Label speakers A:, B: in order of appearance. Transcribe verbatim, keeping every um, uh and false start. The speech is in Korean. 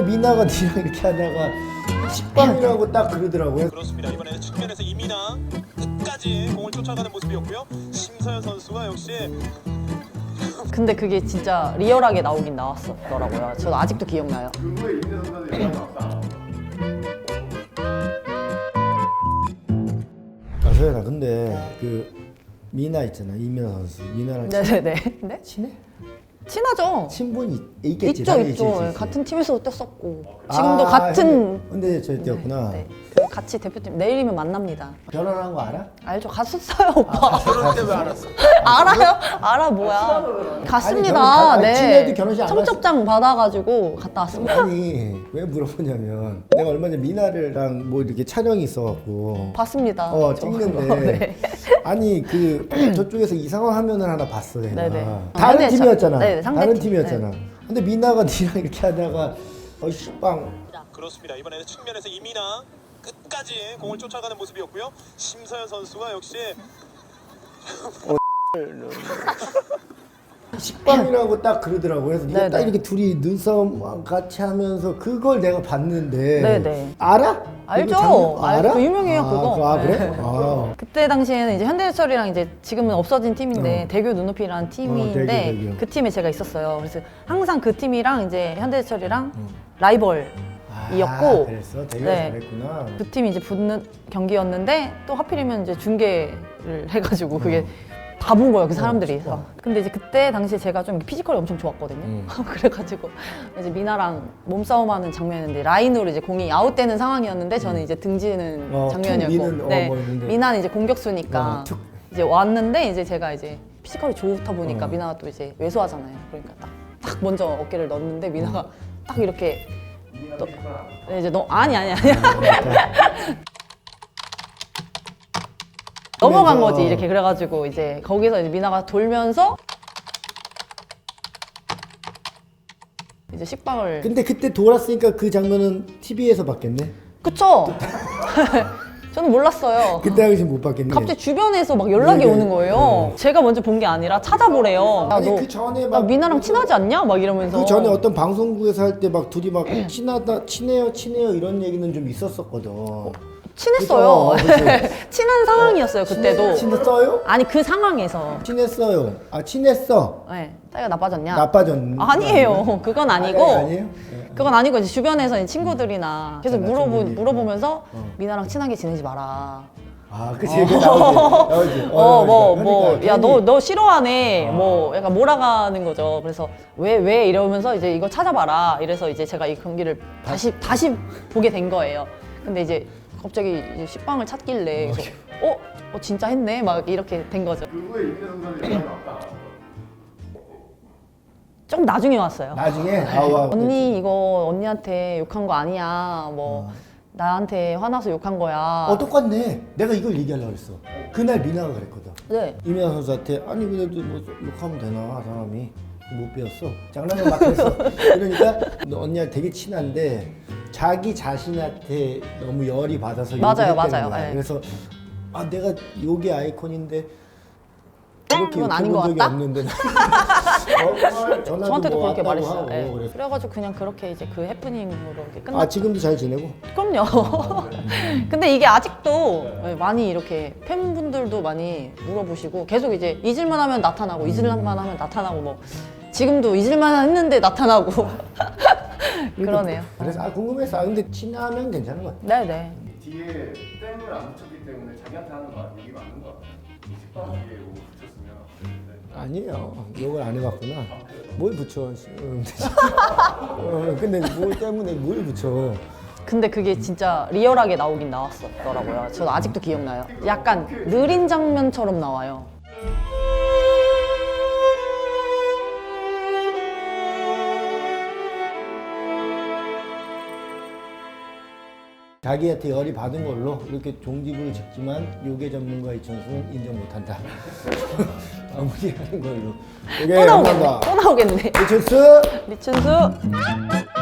A: 미나가 니랑 이렇게 하다가 식빵이라고 딱 그러더라고요.
B: 그렇습니다. 이번에 측면에서 이민아 끝까지 공을 쫓아가는 모습이었고요. 심서현 선수가 역시
C: 근데 그게 진짜 리얼하게 나오긴 나왔었더라고요. 저도 아직도 기억나요.
D: 그거에 이민아 선수한테 연락이 왔다.
A: 아, 소연아, 근데 그 미나 있잖아, 이민아 선수. 미나랑 친-
C: 네네네. 네?
A: 친해?
C: 친하죠.
A: 친분이 있겠지.
C: 있죠,
A: 당연히
C: 있죠.
A: 있지, 있지.
C: 같은 팀에서도 뛰었었고 지금도
A: 아,
C: 같은.
A: 근데, 근데 저희 때였구나.
C: 네. 그 같이 대표팀 내일이면 만납니다.
A: 결혼한 거 알아?
C: 알죠? 갔었어요, 오빠.
B: 결혼 때 왜 알았어?
C: 알아요? 알아 뭐야? 갔습니다.
A: 결혼- 아니,
C: 네.
A: 친해도 결혼식 안
C: 청첩장 받아가지고 갔다 왔습니다.
A: 아니 왜 물어보냐면 내가 얼마 전에 미나랑 뭐 이렇게 촬영이 있어갖고
C: 봤습니다.
A: 어
C: 저.
A: 찍는데
C: 네.
A: 아니 그 저쪽에서 이상한 화면을 하나 봤어 내가.
C: 네네.
A: 다른
C: 상대
A: 팀이었잖아.
C: 저- 네, 상대
A: 다른
C: 팀.
A: 팀이었잖아. 근데 미나가 니랑 이렇게 하다가 어 식빵
B: 그렇습니다. 이번에는 측면에서 이민아 끝까지 공을 쫓아가는 모습이었고요. 심서현 선수가 역시
A: 식빵이라고 딱 그러더라고. 그래서 네가
C: 네네.
A: 딱 이렇게 둘이 눈싸움 같이 하면서 그걸 내가 봤는데
C: 네네.
A: 알아?
C: 알죠.
A: 이거 장면
C: 알죠. 그 유명해요,
A: 아,
C: 그거.
A: 아 그래?
C: 네.
A: 아.
C: 그때 당시에는 이제 현대해설이랑 이제 지금은 없어진 팀인데 대교 눈높이라는 팀인데
A: 어, 대교, 대교.
C: 그 팀에 제가 있었어요. 그래서 항상 그 팀이랑 이제 현대해설이랑 라이벌이었고
A: 아, 그랬어? 되게
C: 네.
A: 잘했구나.
C: 그 팀이 이제 붙는 경기였는데 또 하필이면 이제 중계를 해가지고 그게 다 본 거예요, 그 사람들이.
A: 어.
C: 근데 이제 그때 당시에 제가 좀 피지컬이 엄청 좋았거든요.
A: 음.
C: 그래가지고 이제 미나랑 몸싸움하는 장면인데 라인으로 이제 공이 아웃되는 상황이었는데 저는 이제 등지는
A: 어,
C: 장면이었고,
A: 툭 미는, 어,
C: 네,
A: 뭐 있는데.
C: 미나는 이제 공격수니까
A: 어, 툭.
C: 이제 왔는데 이제 제가 이제 피지컬이 좋다 보니까
A: 어.
C: 미나가 또 이제 왜소하잖아요. 그러니까 딱, 딱 먼저 어깨를 넣었는데 미나가
A: 음.
C: 딱 이렇게
D: 이민아
C: 또-
D: 선수가
C: 네, 이제 너 아니 아니 아니 넘어간 거지 이렇게. 그래가지고 이제 거기서 이제 미나가 돌면서 이제 식빵을
A: 근데 그때 돌았으니까 그 장면은 티비에서 봤겠네?
C: 그쵸? 저는 몰랐어요.
A: 그때 당시 못 봤겠네.
C: 갑자기 주변에서 막 연락이
A: 네, 네.
C: 오는 거예요. 제가 먼저 본 게 아니라 찾아보래요. 야,
A: 아니
C: 너,
A: 그 전에
C: 나
A: 막
C: 미나랑 친하지 않냐? 막 이러면서.
A: 그 전에 어떤 방송국에서 할 때 막 둘이 막 친하다 친해요 친해요 이런 얘기는 좀 있었었거든.
C: 친했어요.
A: 그죠? 그죠?
C: 친한 상황이었어요, 그때도.
A: 친했어요?
C: 아니, 그 상황에서.
A: 친했어요. 아 친했어.
C: 네, 사이가 나빠졌냐?
A: 나빠졌.
C: 아니에요. 그건 아니고.
A: 아니, 아니에요? 네.
C: 그건 아니고 이제 주변에서 이제 친구들이나 계속
A: 음. 아,
C: 물어보,
A: 친구들이.
C: 물어보면서
A: 어.
C: 미나랑 친하게 지내지 마라.
A: 아 그치 그 나오지 나오지.
C: 어, 뭐,
A: 그러니까,
C: 뭐,
A: 그러니까
C: 야, 너,
A: 괜히-
C: 너 싫어하네. 뭐, 약간 몰아가는 거죠. 그래서 왜, 왜? 이러면서 이제 이거 찾아봐라. 이래서 이제 제가 이 경기를 다시, 다시 보게 된 거예요. 근데 이제 갑자기 이제 식빵을 찾길래 그래서 어? 어, 진짜 했네? 막 이렇게 된 거죠.
D: 그거에 이민아 선수한테 연락이 왔다.
C: 좀 나중에 왔어요.
A: 나중에 아와
C: 언니, 이거 언니한테 욕한 거 아니야. 뭐, 나한테 화나서 욕한 거야.
A: 어 똑같네. 내가 이걸 얘기하려고 했어. 그날 미나가 그랬거든.
C: 네.
A: 이민아 선수한테 아니 그래도 뭐 욕하면 되나 사람이 못 배웠어. 장난을 막 했어. 그러니까 너 언니랑 되게 친한데 자기 자신한테 너무 열이 받아서 욕을
C: 맞아요,
A: 했다는
C: 맞아요.
A: 거야.
C: 네.
A: 그래서 아 내가 욕의 아이콘인데 이렇게
C: 그건 아닌
A: 욕해본
C: 것
A: 적이
C: 같다?
A: 없는데 어? 전화도
C: 저한테도
A: 뭐
C: 그렇게
A: 왔다고
C: 말했어요.
A: 하고
C: 네.
A: 그래서.
C: 그래가지고 그냥 그렇게 이제 그 해프닝으로 이렇게 끝났.
A: 아 지금도 잘 지내고?
C: 그럼요. 근데 이게 아직도 많이 이렇게 팬분들도 많이 물어보시고 계속 이제 잊을만 하면 나타나고 잊을만 하면 나타나고 뭐 지금도 잊을만 했는데 나타나고 그러네요.
A: 그래서 아 궁금했어. 아, 근데 친하면 괜찮은 것 같아.
C: 네네.
D: 뒤에 땡을 안 붙였기 때문에 자기한테 하는 거 얘기 맞는 거 같아. 식빵 뒤에 이거 붙였으면. 네.
A: 아니에요. 욕을 안 해봤구나. 뭘 붙여? 음, 어, 근데 뭘 때문에 뭘 붙여?
C: 근데 그게 진짜 리얼하게 나오긴 나왔었더라고요. 저도 아직도 기억나요. 약간 느린 장면처럼 나와요.
A: 자기한테 열이 받은 걸로 이렇게 종지부를 찍지만 요괴 전문가 이천수는 인정 못한다. 마무리하는 걸로.
C: 또 나오겠네. 또 나오겠네.
A: 이천수.
C: 리춘수.